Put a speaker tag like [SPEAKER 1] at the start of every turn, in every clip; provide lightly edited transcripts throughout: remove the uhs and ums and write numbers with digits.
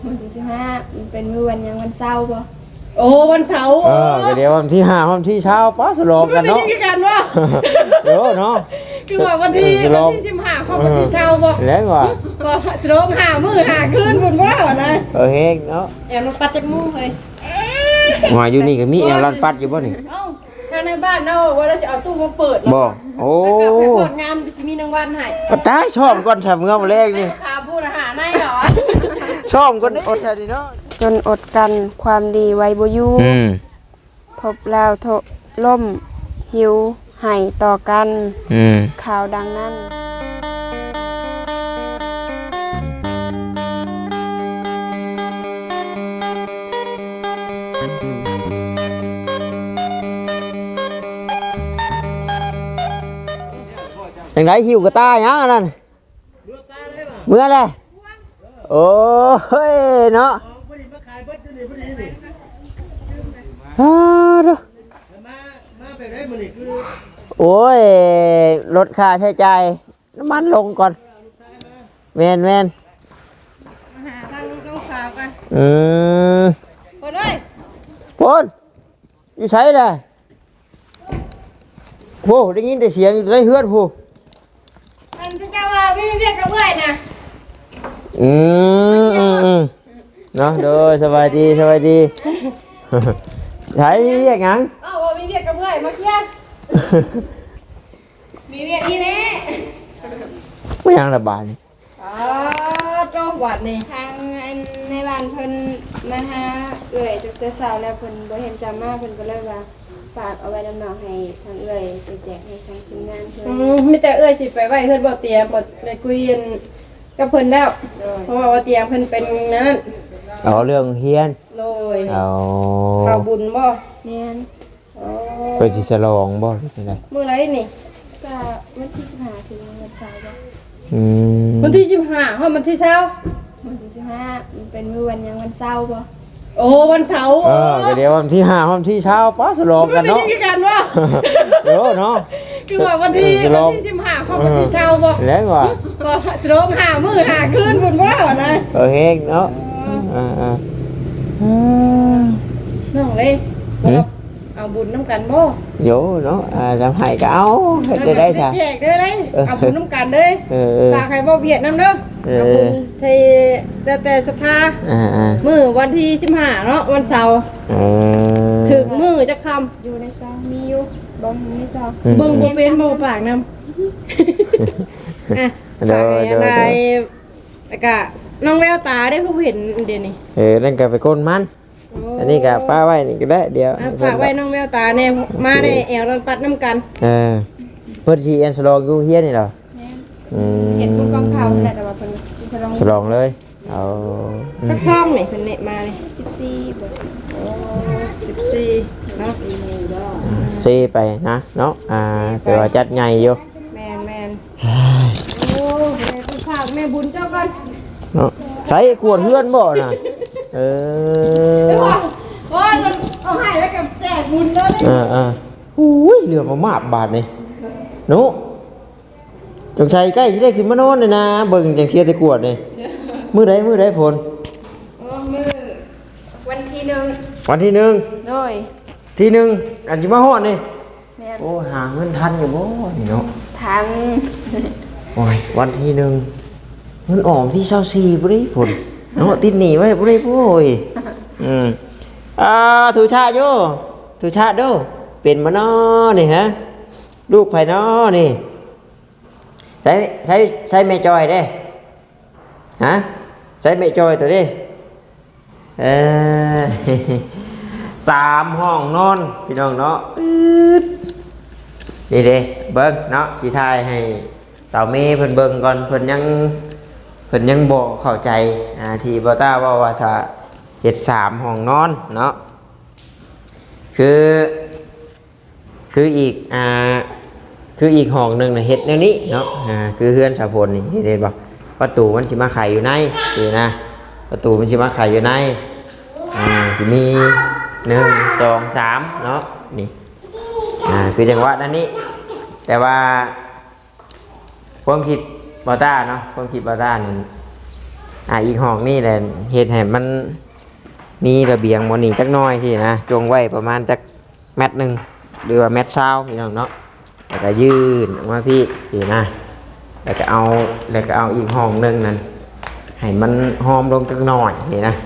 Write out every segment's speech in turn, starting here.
[SPEAKER 1] วันที่15มันเป็นมื้อวันยังวันเสาร์บ่
[SPEAKER 2] โอ้วันเสาร์
[SPEAKER 3] ก็เดี๋ยววันที่5วันที่เช้าป้าสลองกันเนาะ
[SPEAKER 2] ไม่ได้กันว่า
[SPEAKER 3] เดี๋ยวเนาะ
[SPEAKER 2] คือว่าวันที่15เขาวันที่เช้าบ่
[SPEAKER 3] แล้วว่า
[SPEAKER 2] ก็จะร้องหามื้อหาคืนบุญว่านะ
[SPEAKER 3] เฮงเนาะ
[SPEAKER 2] แอบมาปัดจักมู่เฮ้ย
[SPEAKER 3] หัวอยู่นี่ก็มีแอลลันปัดอยู่บ่นี่
[SPEAKER 2] เอ้าทางในบ้านเนาะว่าเราจะเอาตู้มาเปิด
[SPEAKER 3] บ่โอ้
[SPEAKER 2] แล้วก็ไปเปิดงานสิมีรางวัลให้
[SPEAKER 3] ก็ได้ชอบก่อนทำเงาแรกนี่
[SPEAKER 2] ขาพูดอาหารในเหรอ
[SPEAKER 3] ชอบก่อนอดแท้ดิเนาะ
[SPEAKER 1] จนอดกันความดีไว้บ่อยู่ทบแล้วทบล่มหิวให้ต่อกันข่าวดังนั้น
[SPEAKER 3] จังไดหิวกระตายหยังอันนั้นเมื่อไรโอ้ยเนาะฮ่าดูโอ้ยลดค่าใช้จ่ายน้ำมันลงก่อนแมน
[SPEAKER 2] มาหาทางน้องสาวกันเปิดเลย
[SPEAKER 3] พนอยู่ใช้เลยโหได้ยินแต่เสียงอยู่ในเฮือนผู้
[SPEAKER 2] อันที่เจ้าว่าพี่เรียกกับเพื่อนนะ
[SPEAKER 3] เนาะโดยสบายดีสบายดีใช้เรียกหยัง
[SPEAKER 2] เอ้าว่ามีเรียกกับเพื่อนมาเคลียร์มีเรียกนี่แน่
[SPEAKER 3] ไม่ยังระบาดนี่
[SPEAKER 2] โจ้หวัดนี่
[SPEAKER 1] ทางอันในบ้านเพิ่นมาหาเอื้อยจักแต่เช้าแล้วเพิ่นบ่เห็นจำมาเพิ่นก็เลยว่าฝากเอาไว้นำน้องให้ทางเอื้อยไปแจกให้ทางทีมงานเพิ่น
[SPEAKER 2] มีแต่เอ้ยสิไปไหวเพื่อนบ่เตียงบ่ไปคุยกันกับเพิ่นแล้ว
[SPEAKER 1] โดย
[SPEAKER 2] เพราะว่าบ่เตียงเพิ่นเป็นนั้น
[SPEAKER 3] เอาเรื่องเฮียน
[SPEAKER 2] โดย
[SPEAKER 3] เอา
[SPEAKER 2] ข่าวบุญบ่
[SPEAKER 1] แม่น
[SPEAKER 3] ไปสิฉลองบ่หรือไง
[SPEAKER 2] มื้อไรนี่
[SPEAKER 1] ก็วันที่15ถึงวันเสาร์บ่
[SPEAKER 2] วันที่15เฮาวันที่เช้า
[SPEAKER 1] วันที่15มันเป็นมื้อวันยังวันเสาร์บ่
[SPEAKER 2] โอ้วันเสาร์
[SPEAKER 3] ก็เดี๋ยววันที่5วันที่เช้าป้าสลองกัน
[SPEAKER 2] ไม่
[SPEAKER 3] เนาะ
[SPEAKER 2] ได้กันว่า
[SPEAKER 3] เดี๋ยวเนาะ
[SPEAKER 2] คือว่าวันที่15เฮาวันที่เช้าบ่
[SPEAKER 3] แล้วว่า
[SPEAKER 2] ก็จะร้องหามื้อหาคืนบุญว่านะ
[SPEAKER 3] เฮงเนาะ
[SPEAKER 2] น้องเลยเอาบุญน้ำกันบ่
[SPEAKER 3] โยเนาะทำให้ก็เอาเฮ็ดได้จ้ะ
[SPEAKER 2] แจกเด้อเลยเอาบุญน้ำกันเด้อ ฝากให้บ่เวียดนำเด้อเอาบุญที่แต่ศรัทธามื้อวันที่15เนาะวันเสาร์ถึงมื้อจะค่ำ
[SPEAKER 1] อยู่ในซองมีอยู่บ่มีในซอง
[SPEAKER 2] เบิ่งบ่เป็นบ่ปากนำอ่ะฝากให้อะไรแล้วก็น้องแววตาได้ผู้เห็นเดี๋ยวนี้
[SPEAKER 3] นั่นก็ไปก้นมันอันนี้ก็ป้าไว้นี่ก็ได้เดี๋ยว
[SPEAKER 2] ฝากไว้น้องแววตาแน่มาได้แอวรันปัดน้ำกัน
[SPEAKER 3] เพื่อที่อันฉลองอยู่เฮียนี่เหรอ
[SPEAKER 1] เห็นคุณกองข่าวแต่ว่าเพิ่นสิฉลอง
[SPEAKER 3] ฉลองเลยเอา
[SPEAKER 2] สักช่องนี่เพิ่นเนะมานี่
[SPEAKER 1] 14บ่
[SPEAKER 2] 14เนาะ
[SPEAKER 3] ซีไปนะเนาะเผื่อว่าจัดใหญ่อยู่
[SPEAKER 2] แม่นโอ้แม่คุณฝากแม่บุญเจ้าก่อน
[SPEAKER 3] เนาะใช้ขวดเฮือนบ่น่ะ
[SPEAKER 2] ว่าเอาให้แล้วกับแจกบุญเลย
[SPEAKER 3] หูยเหลือมามาบบาทนี่หนูจงชัยใกล้สิได้ขึ้นมานอนเลยนะเบิ่งจังเทียได้กวดนี่มื้อใดผล
[SPEAKER 1] มื้อวันที่1
[SPEAKER 3] วันที่
[SPEAKER 1] โดย
[SPEAKER 3] 1ที่1อันสิมาฮอดนี่
[SPEAKER 1] แม่น
[SPEAKER 3] โอ้หาเงินทันอยู่บ่นี่เนาะ
[SPEAKER 1] ทัน
[SPEAKER 3] โอ้ยวันที่1เงินออมที่24บ่ได้ผลเนาะติดหนี้ไว้บ่ได้โอ้ยถูชาติอยู่ถูชาติเด้อเป็นมาน้อนี่ฮะลูกไผน้อนี่ใช้แม่จอยเด้ฮะใช้แม่จอยตัวเด้3 ห้องนอนพี่น้องเนาะนี่เด้เบิ่งเนาะสิทายให้สาวเมย์เพิ่นเบิ่งก่อนเพิ่นยังบ่เข้าใจที่บ่ต้าว่าถ้าเฮ็ด3 ห้องนอนเนาะคืออีกห้องหนึ่งนะเฮ็ดแนวนี้เนาะคือเฮือนสาวพลนี่เห็นบ่ประตูมันสิมาไขอยู่ในนี่นะประตูมันสิมาไขอยู่ในสิมี1 2 3เนาะนี่คือจังหวะนั้นนี้แต่ว่าความคิดบอต้าเนาะความคิดบอต้านี่อีกห้องนี่แหละเฮ็ดให้มันมีระเบียงบ่นี่จักหน้อยที่นะจงไว้ประมาณจักเมตรหนึงหรือว่าเมตรเช้าพี่น้องเนาะแล้วก็ยื่นออกมาพี่นะแล้วก็เอาอีกห้องหนึงนั่นให้มันหอมลงจักหน่อยนี่นะ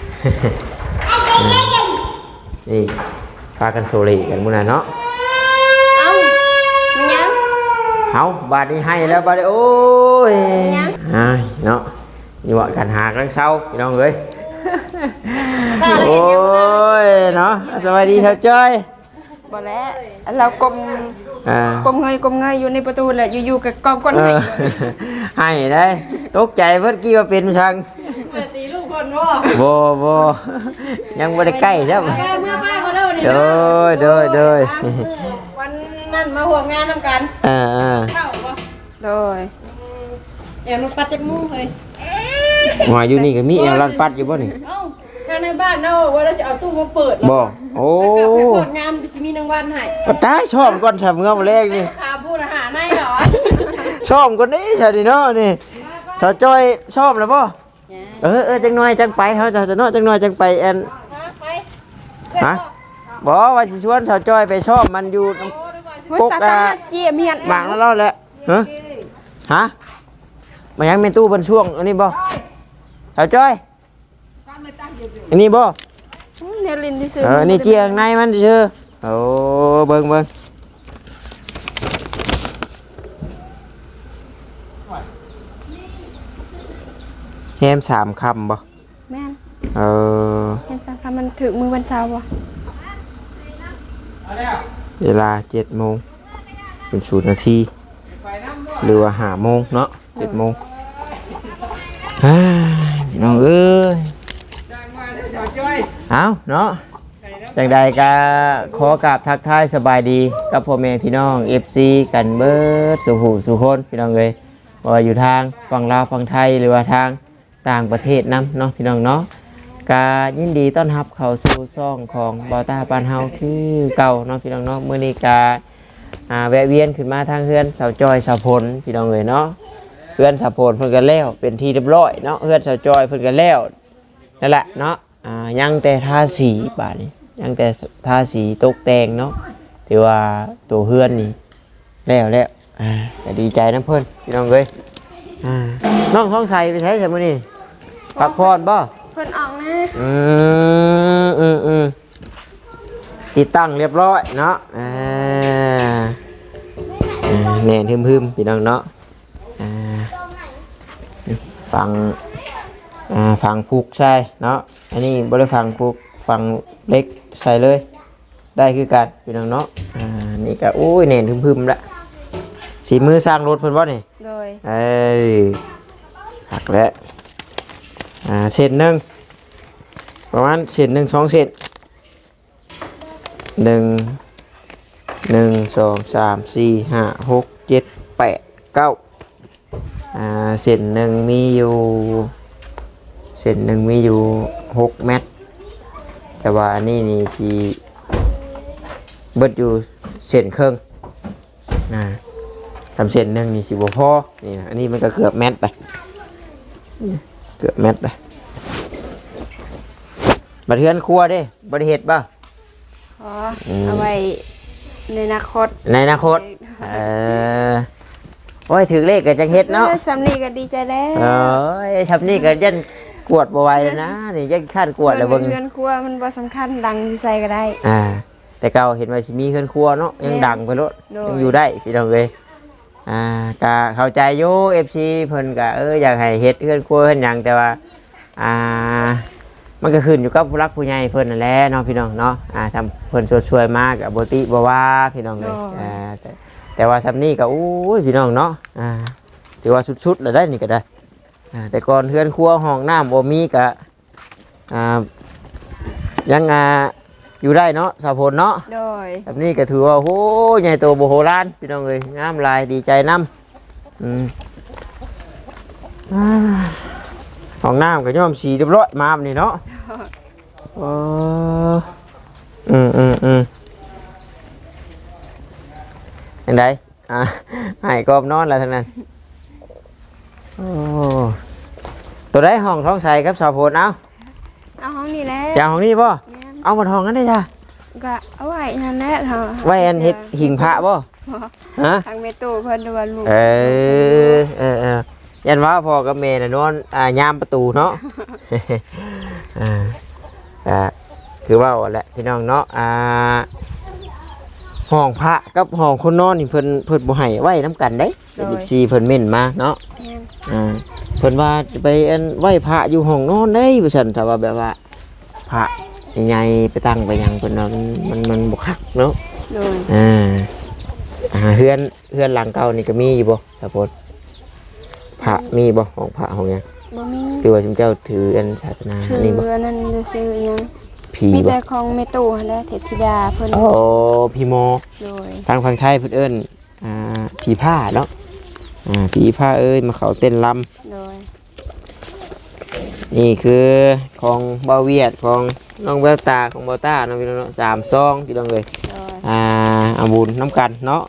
[SPEAKER 3] นี่พากันโซลีกันมื้อนั้นเนาะ
[SPEAKER 1] เอ้ามันยัง
[SPEAKER 3] เอาบาดนี้ให้แล้วบาดนี้โอ้ยเนาะนี่ว่ากันหากลังเศร้าพี่น้องเอ้ยโอ้ยเนาะสวัสดีครับจ้อย
[SPEAKER 1] บ่แล้วเรากลมเงยอยู่ในประตูแหละอยู่ๆกับกองก้นไห้
[SPEAKER 3] ให้ได้ตกใจเพิ่นกี้ว่าเป็นชัง
[SPEAKER 2] ตีลูกคน
[SPEAKER 3] บ่ยังบ่ได้ใกล้ครับ
[SPEAKER 2] เมื่อป้าก็เล่านี่
[SPEAKER 3] โดย
[SPEAKER 2] วันนั้นมาห่วงงานนำกันเข้าบ่
[SPEAKER 1] โดย
[SPEAKER 2] แอบมาปัดจักมุ้งเลย
[SPEAKER 3] หัวอยู่นี่ก็มีแอลลันปัดอยู่บ่นี่
[SPEAKER 2] เอ้าทางในบ้านเนาะว่าเราจะเอาตู้มาเปิด
[SPEAKER 3] บ่โอ้
[SPEAKER 2] แล้วก็ไปเปิดงานสิมีรางวัลให้
[SPEAKER 3] ก็ได้ชอบก่อนทำเงาแรกนี่
[SPEAKER 2] ขาพูดอาหารในเหรอ
[SPEAKER 3] ชอบก่อนนี้ใช่ดิเนาะนี่สาวจ้อยชอบแล้วบ่จังหน่อยจังไปเฮาจะเนาะจังหน่อยจังไปแอน
[SPEAKER 2] ไป
[SPEAKER 3] ฮะบ่ว่าสิชวนสาวจ้อยไปชอบมันอยู่
[SPEAKER 1] ตาเจียมเฮียน
[SPEAKER 3] หมากแล้วแหละฮะมายังเป็นตู้บนช่วงอันนี้บ่สาวจ้อยอันนี้บ่
[SPEAKER 1] เนลินที่ซื้อ
[SPEAKER 3] อันนี้เจียงในมันซื่อโอ้เบิ่งแฮม3คำบ่
[SPEAKER 1] แม่น
[SPEAKER 3] เออ
[SPEAKER 1] เห็นจังค่ะมันถึงมือวันเสาร์บ่
[SPEAKER 3] เวลา7 โมงเป็น0 นาทีหรือว่า5 โมงเนาะ7 โมงน้องเอ้ยเอาเนาะจังใดก็ขอกราบทักทายสบายดีกับพ่อแม่พี่น้อง FC กันเบิดสุหูสุคนพี่น้องเลยว่าอยู่ทางฝั่งลาวฝั่งไทยหรือว่าทางต่างประเทศนำเนาะพี่น้องเนาะกายินดีต้อนรับเข้าสู่ช่องของบอต้าปานเฮาคือเก่าเนาะพี่น้องเนาะมื้อนี้กาแวะเวียนขึ้นมาทางเฮือนสาวจอยสาวพลพี่น้องเลยเนาะเฮือนสาวพลเพิ่นก็แล้วเป็นที่เรียบร้อยเนาะเฮือนสาวจอยเพิ่นก็แล้วนั่นแหละเนาะยังแต่ทาสีบาดนี้ยังแต่ทาสีตกแต่งเนาะถือว่าตัวเฮือนนี่แล้วก็ดีใจนะเพิ่นพี่น้องเอ้ยน้องท้องใสไปใช้ใช่มื้อนี้พักผ่อนบ่
[SPEAKER 1] เพิ่นออกนะ
[SPEAKER 3] ติดตั้งเรียบร้อยเนาะแน่นฮึมๆพี่น้องเนาะฟังผูกใช่เนาะอันนี้บ่ได้ฟังผูกฟังเล็กใส่เลยได้คือกันพี่น้องเนาะนี่ก็โอ้ยแน่นฮึมๆละสีมือสร้างรถเพิ่นบ่นี่
[SPEAKER 1] โดย
[SPEAKER 3] หักแล้วเศษหนึ่งประมาณเศษ1 2 เศษ1 2 3 4 5 6 7 8 9เศษหนึ่งมีอยู่6 เมตรแต่ว่าอันนี้นี่สิเบิดอยู่เศษครึ่งทำเศษหนึ่งนี่สิบ่พอนี่นะอันนี้มันก็เกือบเมตรไปบัดเทือนครัวเด้บ่ได้เฮ็ดบ่
[SPEAKER 1] เอาไว้ในอนาคต
[SPEAKER 3] ในอนาคตโอ้ยถือเลขก็จังเฮ็ดเนาะ
[SPEAKER 1] สำนีก็ดีใจแล้ว
[SPEAKER 3] โอ้ยทำนี่ก็ยันกวดบ่ไหวแล้วนะนี่ยันขั้นกวดแล้วเบิ่ง
[SPEAKER 1] เรือนครัวมันบ่สำคัญดังอยู่ใส่ก็ได้
[SPEAKER 3] แต่เก่าเห็นว่าสิมีเฮือนครัวเนาะยังดังไปโลดยังอยู่ได้พี่น้องเอ้ยก็เข้าใจอยู่ FC เพิ่นก็อยากให้เฮ็ดเฮือนครัวเฮ็ดหยังแต่ว่ามันก็ขึ้นอยู่กับผู้รักผู้ใหญ่เพิ่นนั่นแหละเนาะพี่น้องเนาะทำเพิ่นช่วยๆมาก็บ่ติบ่ว่าพี่น้องเอ้ยแต่ว่าซำนี้ก็โอ้ยพี่น้องเนาะถือว่าสุดๆแล้วได้นี่ก็ได้แต่ก่อนเฮือนครัวห้องน้ำบ่มีก็ยังอยู่ได้เนาะสาวพลเนาะ
[SPEAKER 1] โดย
[SPEAKER 3] แบบนี้ก็ถือว่าโหใหญ่โตโบโหราณพี่น้องเอ้ยงามลายดีใจน้ำห้องน้ำก็ย่อมสีเรียบร้อยมาแบบนี้เนาะอันใดให้กอบนอนแล้วทั้งนั้นโอ้ตัวได้ห้องท้องใสครับสาวโพดเอา
[SPEAKER 1] เอาห้องนี้แหละ
[SPEAKER 3] จะเอาห้องนี้ป่ะ
[SPEAKER 1] แม่น
[SPEAKER 3] เอามาห้องนั้นได้จ้ะ
[SPEAKER 1] ก็เอาไว้นั่นแหละเถอะ
[SPEAKER 3] ไว้อันเฮ็ดหิงพระป่ะฮะ
[SPEAKER 1] ทางเมตูเพิ่นดูว่าลูก
[SPEAKER 3] ยันว่าพ่อกับแม่น่ะนอนยามประตูเนาะ คือว่าแหละพี่น้องเนาะห้องพระกับห้องคนนอนนี่เพิ่นบ่ให้ไว้นํกันเด้14เพิ่นเม่นมาเนาะ
[SPEAKER 1] แม่น
[SPEAKER 3] เพิ่นว่าจะไปอันไหว้พระอยู่ห้องนอนได้ว่าซั่นถ้าว่าแบบว่าพระใหญ่ๆไปตั้งไปหยังเพิ่นว่ามันบ่คักเนาะ
[SPEAKER 1] โดย
[SPEAKER 3] เฮือนหลังเก่านี่ก็มีอยู่บ่สะพดพระมีบ่ห้องพระห้องหยัง
[SPEAKER 1] บ่มี
[SPEAKER 3] คือว่าเจ้าถืออันศาสนา
[SPEAKER 1] ชื่อ
[SPEAKER 3] นี่บ่
[SPEAKER 1] นั่นจะซื้อหยัง
[SPEAKER 3] ผี
[SPEAKER 1] มี
[SPEAKER 3] บ่
[SPEAKER 1] แต่ของเมตูหั่นแหละเทพธิดาเพิ่น
[SPEAKER 3] โอ้พี่โม
[SPEAKER 1] โดย
[SPEAKER 3] ทางฝั่งไทยเพิ่นเอิ้นผีผ้าเนาะผีผ้าเอ้ยมาเข้าเต้นรำ
[SPEAKER 1] โดย
[SPEAKER 3] นี่คือของเบาเวียดของน้องแววตาของเบาต้าน้องพี่น้องเนาะ3 ซองพี่น้องเอ้ย
[SPEAKER 1] โดย
[SPEAKER 3] เอาบุญน้ำกันเนาะ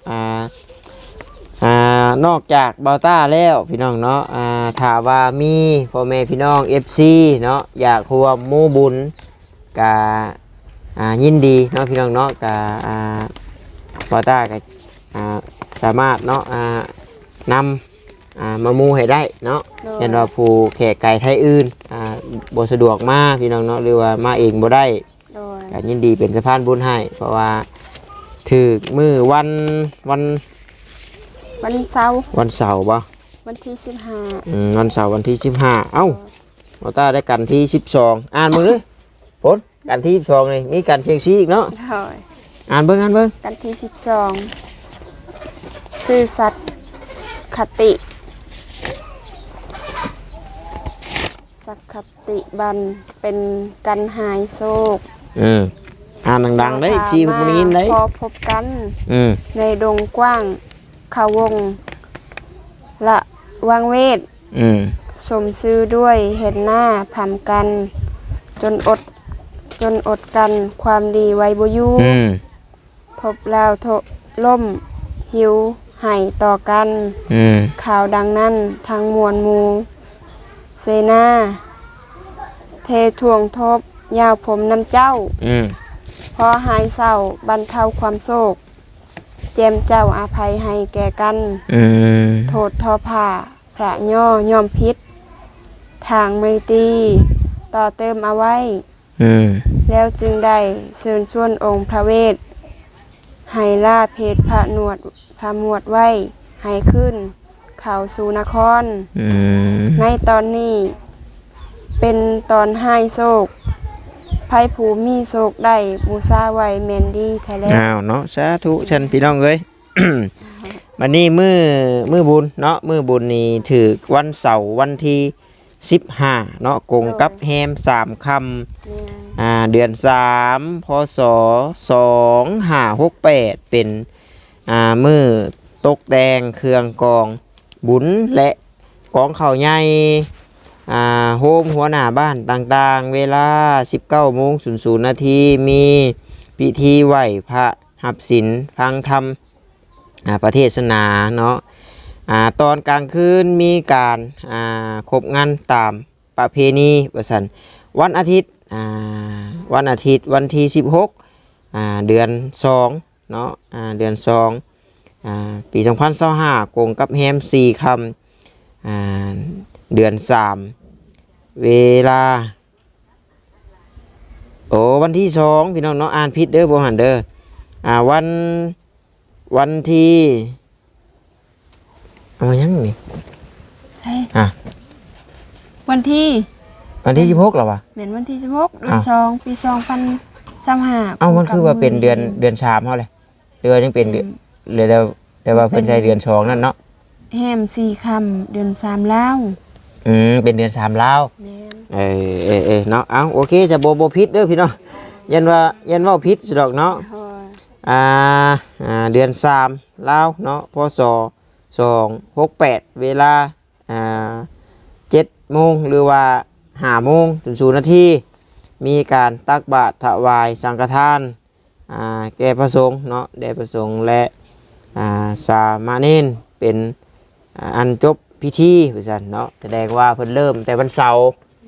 [SPEAKER 3] นอกจากเบาต้าแล้วพี่น้องเนาะถามว่ามีพ่อแม่พี่น้อง FC เนาะอยากร่วมหมู่บุญกะยินดีเนาะพี่น้องเนาะกะเบาต้าก็สามารถเนาะนำมาหมู่ให้ได้เนาะเห็นว่าผู้แขกไก่ไทยอื่นบ่สะดวกมาพี่น้องเนาะหรือว่ามาเองบ่ได้
[SPEAKER 1] โดย
[SPEAKER 3] ก็ยินดีเป็นสะพานบุญให้เพราะว่าถือมือวัน
[SPEAKER 1] วันเสาร์
[SPEAKER 3] วันเสาร์ป่ะ
[SPEAKER 1] วันที่
[SPEAKER 3] วันเสาร์วันที่15เอ้าเราต้าได้กันที่12อ่านมึงเลยผลกันที่12นี่มีกันเชียงซีอีกเนาะ
[SPEAKER 1] 15โดย
[SPEAKER 3] อ่านเบิ่ง
[SPEAKER 1] กันที่12ซื่อสัตย์คติสักคติบันเป็นกันหายโศก
[SPEAKER 3] อ่านดังๆได้ชีพมันยินได้
[SPEAKER 1] พอพบกัน ในดงกว้างเขาวงละวังเวทสมซื้อด้วยเห็นหน้าพำกันจนอดกันความดีไว้บ่อยู่ทบแล้วทบล่มหิวให้ต่อกันข่าวดังนั้นทางมวลหมูเสนาเททวงทบยาวผมน้ำเจ้าพอหายเศร้าบรรเทาความโศกเจมเจ้าอาภัยให้แก่กันโทษทอผ่าพระย่อมพิษทางไม่ตีต่อเติมเอาไว้แล้วจึงได้เชิญชวนองค์พระเวทให้ล่าเพศพระหมวดไว้ให้ขึ้นเข้าสู่นครในตอนนี้เป็นตอนให้โศกไพ่ผูมีโศกได้บูซาไว้แมนดี้แท้แล้ว
[SPEAKER 3] อ้าวเนาะสาธุฉันพี่น้องเอ้ย วันนี้มือบุญเนาะมือบุญนี่ถือวันเสาร์วันที่15เนาะกงกับแฮม3 ค่ำเดือน3พศ2568เป็นมือตกแดงเครื่องกองบุญและกองข้าวใหญ่โฮมหัวหน้าบ้านต่างๆเวลา 19:00 นมีพิธีไหว้พระหับศีลฟังธรรมประเทศนาเนาะตอนกลางคืนมีการครบงานตามประเพณีว่าซั่นวันอาทิตย์วันที่16เดือน2เนาะเดือน2ปี2025กงกับแฮม4 ค่ำเดือน3เวลาวันที่2พี่น้องเนาะอ่านผิดเด้อบ่หันเด้อวันที่เอายังนี่
[SPEAKER 1] ใช่วันที่
[SPEAKER 3] 16แล้ววะ
[SPEAKER 1] เหมือนวันที่16เดือน2ปี2025
[SPEAKER 3] มันคือว่าเป็นเดือน3เฮาเลยเดือนยังเป็นเดือนเลยแต่ว่าเพิ่นใช้เดือน2นั่นเนาะ
[SPEAKER 1] แฮม4 ค่ำเดือน3แล้ว
[SPEAKER 3] เป็นเดือน3แล้วเนาะเอาโอเคจะบ่ผิดเด้อพี่น้องยันว่าผิดสิดอกเนาะเดือน3แล้วเนาะพศ268เวลา7 โมงหรือว่า5 โมงถึง0 นาทีมีการตักบาตรถวายสังฆทานแก่พระสงฆ์เนาะแด่พระสงฆ์และสามเณรเป็นอันจบพพิธีว่าซั่นเนาะแสดงว่าเพิ่นเริ่มแต่วันเสาร์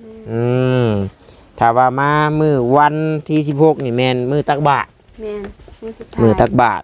[SPEAKER 3] ถ้าว่ามามื้อวันที่16นี่แม่นมื้อตักบาตร
[SPEAKER 1] แม่นสุดท้าย
[SPEAKER 3] มื้อตักบาตร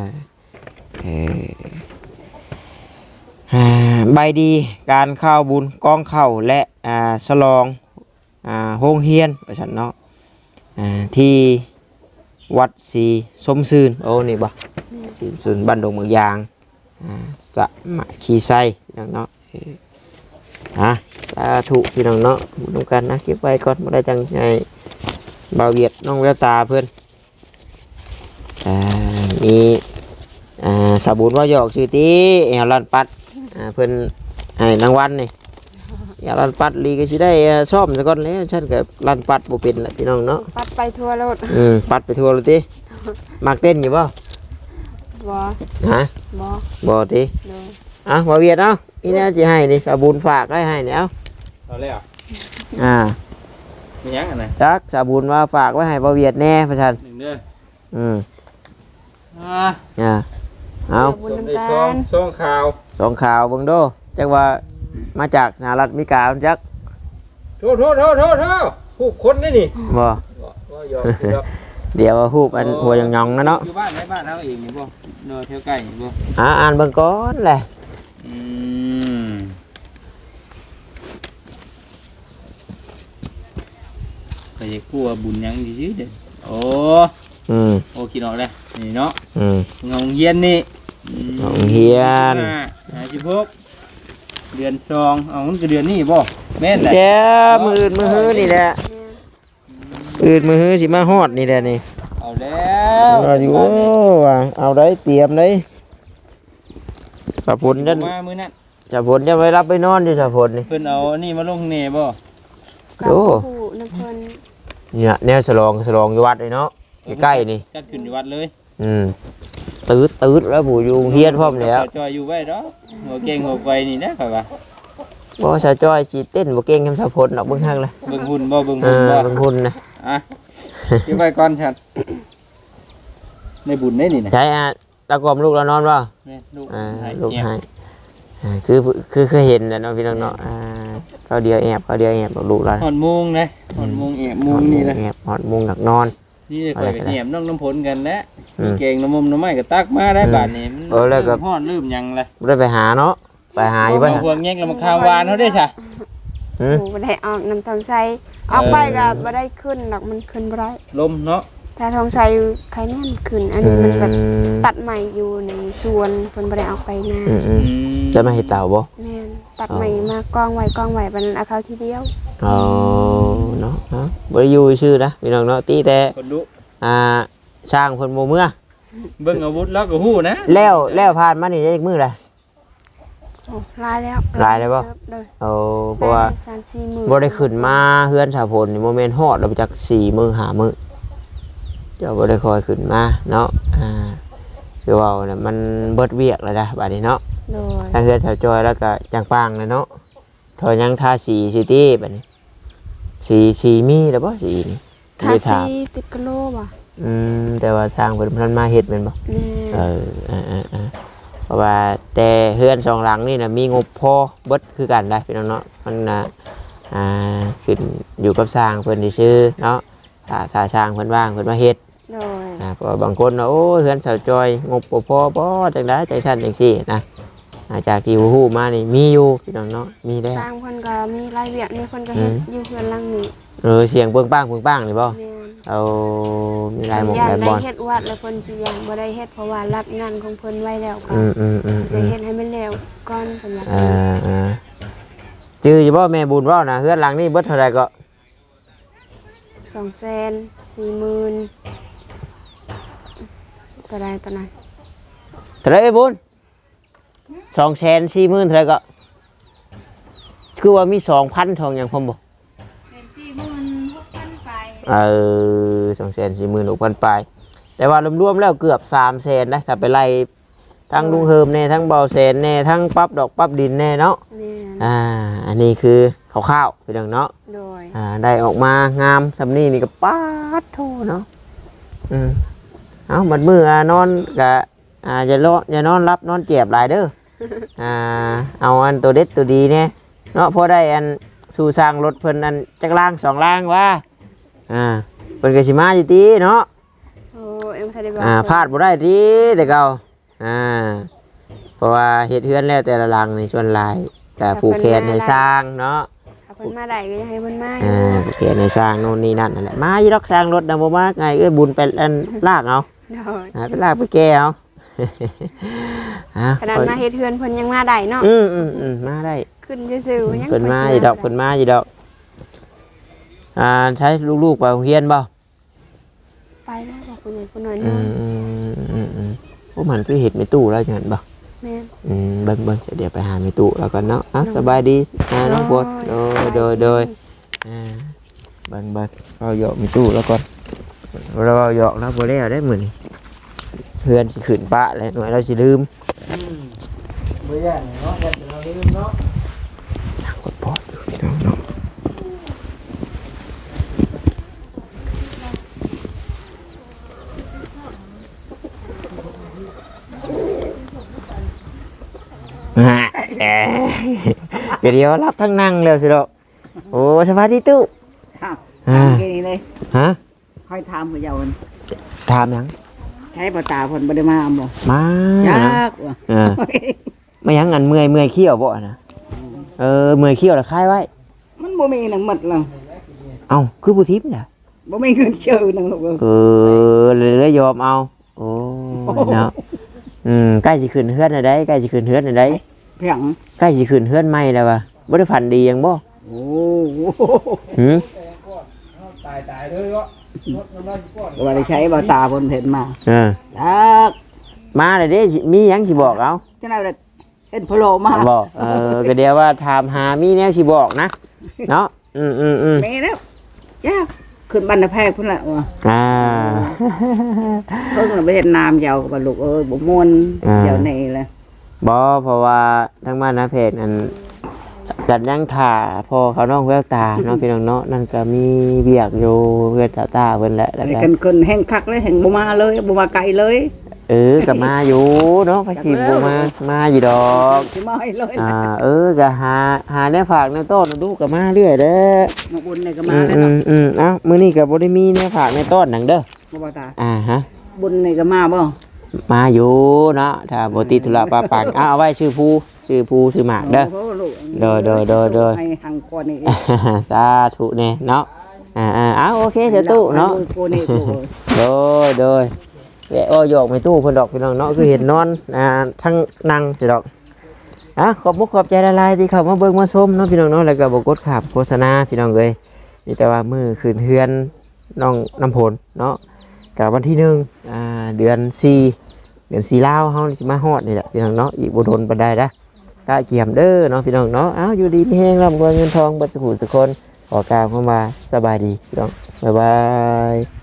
[SPEAKER 3] ใบดีการเข้าบุญกองเข้าและฉลองโรงเรียนว่าซั่นเนาะที่วัดศรีสมซื่นโอ้นี่บ่ศรีสมซื่นบ้านดงเมืองยางสะมะขีไซพี่น้องเนาะสาธุพี่น้องเนาะบุญกันนะเก็บไว้ก่อนบ่ได้จังไงบ่าวเวียดน้องแววตาเพิ่นมีสาบุญว่าหยอกชื่อติแอวลันปัดเพิ่นให้รางวัลนี่อย่าลันปัดลีก็สิได้ซ่อมซะก่อนแล้วฉันก็ลันปัดบ่เป็นล่ะพี่น้องเนาะ
[SPEAKER 1] ปัดไปทั่วโลด
[SPEAKER 3] ปัดไปทั่วเลยติมักเต้นอยู่บ่
[SPEAKER 1] บ่
[SPEAKER 3] บ่ติบ่เวียดเนาะนี่นะสิให้นี่สาบุญฝากให้นี่เอา
[SPEAKER 4] แล้วมีหยังอันไหน
[SPEAKER 3] จักสาบุญว่าฝากไว้ให้บ่เวียดแน่พ่อท่าน
[SPEAKER 4] 1เด้อ
[SPEAKER 3] เอา
[SPEAKER 4] ช่องข่าว
[SPEAKER 3] เบิ่งโดจักว่ามาจากสหรัฐอเมริกาจัก
[SPEAKER 4] โทผู้คนนี่
[SPEAKER 3] บ่เดี๋ยวฮูบอันหัวหยองๆนะเนาะ
[SPEAKER 4] อยู่บ้านในบ้านเฮาเองนี่บ่เนาะแถวใกล้นี่บ่
[SPEAKER 3] อ่านเบิ่งก่อนแหละ
[SPEAKER 4] ก็จะกลัวบุญยังซื่อๆเด้อโอ้คิดออกแล้วนี่เนาะงงเฮียนนี่
[SPEAKER 3] งงเฮียน
[SPEAKER 4] 16เดือน2เอามันก็เดือนนี้บ่แม่นแหละ
[SPEAKER 3] แกมื้อมื้อนี่แหละมื้อสิมาฮอดนี่แหละนี่
[SPEAKER 4] เอาแล้ว
[SPEAKER 3] อยู่เอาได้เตรียมได้สะพลนั่น
[SPEAKER 4] มามื้อนั้น
[SPEAKER 3] สะพลจะไปรับไปนอนอยู่สะพลนี่
[SPEAKER 4] เพิ่นเอานี่มาลงแน่บ่
[SPEAKER 3] โอ้เนี่ยแนวฉลองอยู่วัดเลยเนาะใกล้ๆนี่
[SPEAKER 4] จัดขึ้นอยู่วัดเลย
[SPEAKER 3] ตืดแล้วผู้อยู่เฮียนพร้อมแล้ว
[SPEAKER 4] จอยอยู่ไว้ดอกหัวเก่งหัวไฟนี่นะค่อยว่า
[SPEAKER 3] บ่ชาจ้อยสิเต้นบ่เก่งคำสะพลดอกเบิ่งฮักเลย
[SPEAKER 4] เบิ่งหุ่นบ่เบิ่งหุ่น
[SPEAKER 3] นะ
[SPEAKER 4] เก็บไว้ก่อนฉันในบุญได้นี่นะ
[SPEAKER 3] ใช่ตะกอมลูกเรานอนบ่ลูกให้คือเคยเห็นแล้วเนาะพี่น้องเนาะเขาเดียวแอบลูกเรา
[SPEAKER 4] หอนมุงนะหอนมุงแอบมุงนี่นะ
[SPEAKER 3] แอบหอนมุงหนักนอน
[SPEAKER 4] นี่คอยแอบน้องน้ำผลกันแล้วมีเก่งน้ำมุมน้ำไม้ก็ตักมาได้บาดนี้
[SPEAKER 3] แล้วก็
[SPEAKER 4] หอนลืมยังเลย
[SPEAKER 3] ได้ไปหาเนาะไปหาอยู่บ้าน
[SPEAKER 4] พวกแง่งแล้วมาข้าววานเขาได้ใช่
[SPEAKER 1] บ่ได้ออกน้ำทองใสออกไปก็บ่ได้ขึ้นหรอกมันขึ้นบ่ได้
[SPEAKER 4] ลมเนาะ
[SPEAKER 1] ถ้าทองใสใครนั่นขึ้นอันนี้มันแบบตัดใหม่อยู่ในสวนเพิ่นบ่ได้ออกไปนา
[SPEAKER 3] จะมาเฮ็ดเต่าบ่
[SPEAKER 1] แม่นตัดใหม่มากองไว้บัดนั้นเอาเข้าทีเดียว
[SPEAKER 3] เนาะบ่ได้อยู่ชื่อนะพี่น้องเนาะตีแต่สร้างเพิ่นบ่เมื่อ
[SPEAKER 4] เบิ่งอาวุธแล้วก็ฮู้นะ
[SPEAKER 3] แล้วผ่านมานี่ได้จักมื้อละ
[SPEAKER 1] ลาย
[SPEAKER 3] แล้วบ่เพราะว่าบ่ได้ขึ้นมาเฮือนสาพลนี่บ่แม่นฮอดแล้วจัก4 มื้อ 5 มื้อเจ้าบ่ได้คอยขึ้นมาเนาะคือว่าน่ะมันเบิดเวียกแล้วนะบัดนี้เนาะทางเฮือนสาวจอยแล้วก็จังปางเลยเนาะถอยยังทาสีซิตี้บัดนี้สีมีแล้วบ่สีนี่
[SPEAKER 1] ทาสีติดกะโลบ่
[SPEAKER 3] แต่ว่าทางเพิ่นมาเฮ็ดแม่นบ่เพราะว่าแต่เฮือน2หลังนี่น่ะมีงบพอเบิดคือกันได้พี่น้องเนาะมันน่ะขึ้นอยู่กับสร้างเพิ่นซื่อเนาะถ้าสร้างเพิ่นว่างเพิ่นมาเฮ็ดเพราะบางคนโอ้เฮือนสาวจอยงบบ่พอบ่จังได๋จังซั่นจังซี่นะจากที่ฮู้มานี่มีอยู่พี่น้องเนาะมีแล้ว
[SPEAKER 1] สร้างเพิ่นก็มีรายเวียกนี่เพิ่นก็เฮ็ดอยู่เฮือนหลังนี้
[SPEAKER 3] เสียงเบิ่งป้างนี่บ่เอามีหลายหม่องหลายบ่อน
[SPEAKER 1] ได้เฮ็ดวัดแล้วเพิ่นสิยังบ่ได้เฮ็ดเพราะว่ารับงานของเพิ่นไว้แล้วก็จะเฮ็ดให้มันแล้วก่อนเพิ่นว่า
[SPEAKER 3] จื้ออยู่บ่แม่บุญเว้านะเฮือนหลังนี้เบิดเท่าใดก็
[SPEAKER 1] 240,000เท่านั้น
[SPEAKER 3] เท่าไหร่บุญ240,000เท่าไหร่ก็คือว่ามี 2,000 ทองหยังพร้อมบ่
[SPEAKER 1] 46,000 ไป
[SPEAKER 3] 246,000 ไปแต่ว่ารวมๆแล้วเกือบ 300,000นะถ้าไปไล่ทั้งลุงเฮิมแน่ทั้งเบาแสนแน่ทั้งปั๊บดอกปั๊บดินแน่เนาะอันนี้คือคร่าวๆพี่น้องเนาะได้ออกมางามสำนี้นี่ก็ป๊าดโธเนาะเอาบัดมื้อนอนก็อย่านอนรับนอนเจ็บหลายเด้อเอาอันตัวเด็ดตัวดีเนี่ยเนาะพอได้อันสู่สร้างรถเพิ่นอันจักรางสองรางว่าเพิ่นก็สิมาอยู่ติเนาะ
[SPEAKER 1] โอ้เอ็มทันได้บอก
[SPEAKER 3] พลาดบ่ได้ติแต่เก่าเพราะว่าเฮ็ดเฮือนแล้วแต่ละหลังในส่วนหลายก็ผูกแขนให้สร้างเนาะ
[SPEAKER 1] ถ้าเพิ่นมาได้ก็อยากให้เพิ่นมา
[SPEAKER 3] ผูกแขนให้สร้างโน่นนี่นั่นนั่นแหละมาอยู่ดอกสร้างรถน่ะบ่มาไงบุญไปอันลากเอา
[SPEAKER 1] โดย
[SPEAKER 3] ไปลากไปแก้เอา
[SPEAKER 1] ขนาดมาเฮ็ดเฮือนเพิ่นยังมาได้เนาะ
[SPEAKER 3] มาได้
[SPEAKER 1] ขึ้นซื่อๆยัง
[SPEAKER 3] เพิ่นมาอยู่ดอกเพิ่นมาอยู่ดอกใช้ลูกๆไปโรงเรียนบ่
[SPEAKER 1] ไปแล้วบอกคนใหญ่คนน้อย
[SPEAKER 3] พวกมันคือเห็ดในตู้แล้วอย่างนั้นบ่
[SPEAKER 1] แม่น
[SPEAKER 3] เบิ่งเดี๋ยวไปหาในตู้แล้วกันเนาะสบายดีน้องปวดโดยเบิ่งเราหยอกในตู้แล้วก่อนเราหยอกแล้วบ่แล้วได้มื้อนี้เพื่อนสิขึ้นปะแล้วหน่อยเราสิลืมบ่ย่านเนาะเราลืมเนาะกดพอดอยู่พี่น้องเนาะเดี๋ยวรับทั้งนั่งเลยสิลูกโอ้สวัสดีตู้
[SPEAKER 5] ถามแค่นี้เลย
[SPEAKER 3] ฮะ
[SPEAKER 5] ค่อยถามผู้เยาว์
[SPEAKER 3] ถามยัง
[SPEAKER 5] ใช้ปตาเพิ่นบ่ได้มาบ่
[SPEAKER 3] มาย
[SPEAKER 5] ากว่ะ
[SPEAKER 3] ไม่ยังอันเมื่อยเขี้ยวบ่นะเมื่อยเขี้ยวแล้วคายไว้
[SPEAKER 5] มันบ่มีหนังหมดแล้ว
[SPEAKER 3] เอ้าคือผู้ทิพย์น่ะ
[SPEAKER 5] บ่มีเงินเชื่อหนังลูก
[SPEAKER 3] เลยยอมเอาโอ้เนาะใกล้สิขึ้นเฮือนได้ใกล้สิขึ้นเฮือนได้
[SPEAKER 5] เพียง
[SPEAKER 3] ใกล้สิขึ้นเฮือนใหม่แล้วว่ะบ่ได้ฝันดียังบ่
[SPEAKER 5] โอ้
[SPEAKER 4] ตายเลยเนาะ
[SPEAKER 5] ว่าได้ใช้ปตาเพิ่นเห็นมา
[SPEAKER 3] เออย
[SPEAKER 5] าก
[SPEAKER 3] มาเลยเด้มีหยังสิบอกเอา
[SPEAKER 5] จังได๋เห็นพะโลมา
[SPEAKER 3] บอกก็เดี๋ยวว่าถามหามีแนวสิบอกนะเนาะ
[SPEAKER 5] มีแล้วยากขึ้นบ้านนาแพกพุ่นละว่ะเพิ่นไปเห็นน้ำยาวกับลูกบ่ม่วนเดี๋ยวนี้แหละ
[SPEAKER 3] บ่เพราะว่าทั้งบ้านนะเพจนั้นกันยังถ่าพอเขาน้องแววตาเนาะพี่น้องเนาะนั่นก็มีเบียกอยู่เพื่อนตาเพิ่นแหละแล้วก็
[SPEAKER 5] กันคนแห่งคักเลยแห่งบ่มาเลยบ่มาไกลเลย
[SPEAKER 3] ก็มาอยู่เนาะพระชีบ่มาอยู่ดอก
[SPEAKER 5] สิมาให้เลย
[SPEAKER 3] ก็หาแนวฝากแนวต้นดูก็มาเรื่อยเด้อ
[SPEAKER 5] มาบุญนี่ก็มาแล้วเนาะ
[SPEAKER 3] เอ้ามื้อนี้ก็บ่ได้มีแนวฝากแนวต้นหนังเด้อ
[SPEAKER 5] บ่ตา
[SPEAKER 3] ฮะ
[SPEAKER 5] บุญนี่ก็มาบ่
[SPEAKER 3] มาอยู่เนาะถ้าบ่ติดธุระปะปังเอาไว้ชื่อผู้ชื่อหมากเด้อโดย
[SPEAKER 5] ให้หังก่อนนี่
[SPEAKER 3] สาธุเนี่ยเนาะโอเคเดี๋ยวตู้เนาะโดยแวะโยกไม่ตู้เพิ่นดอกพี่น้องเนาะคือเห็นนอนทั้งนั่งสิดอกขอบมุกขอบใจละลายที่เข้ามาเบิ่งมาชมเนาะพี่น้องเนาะแล้วก็บ่กดขับโฆษณาพี่น้องเอ้ยนี่แต่ว่ามื้อคืนเฮือนน้องน้ำผลเนาะกับวันที่1เดือน4ลาวเฮาสิมาฮอดนี่แหละพี่น้องเนาะอีกบ่โดนปานใดนะกะเกี่ยมเด้อเนาะพี่น้องเนาะอยู่ดีมีแฮงร่ำรวยเงินทองเบิดทุกคนขอกล่าวเข้ามาสบายดีพี่น้องบ๊ายบาย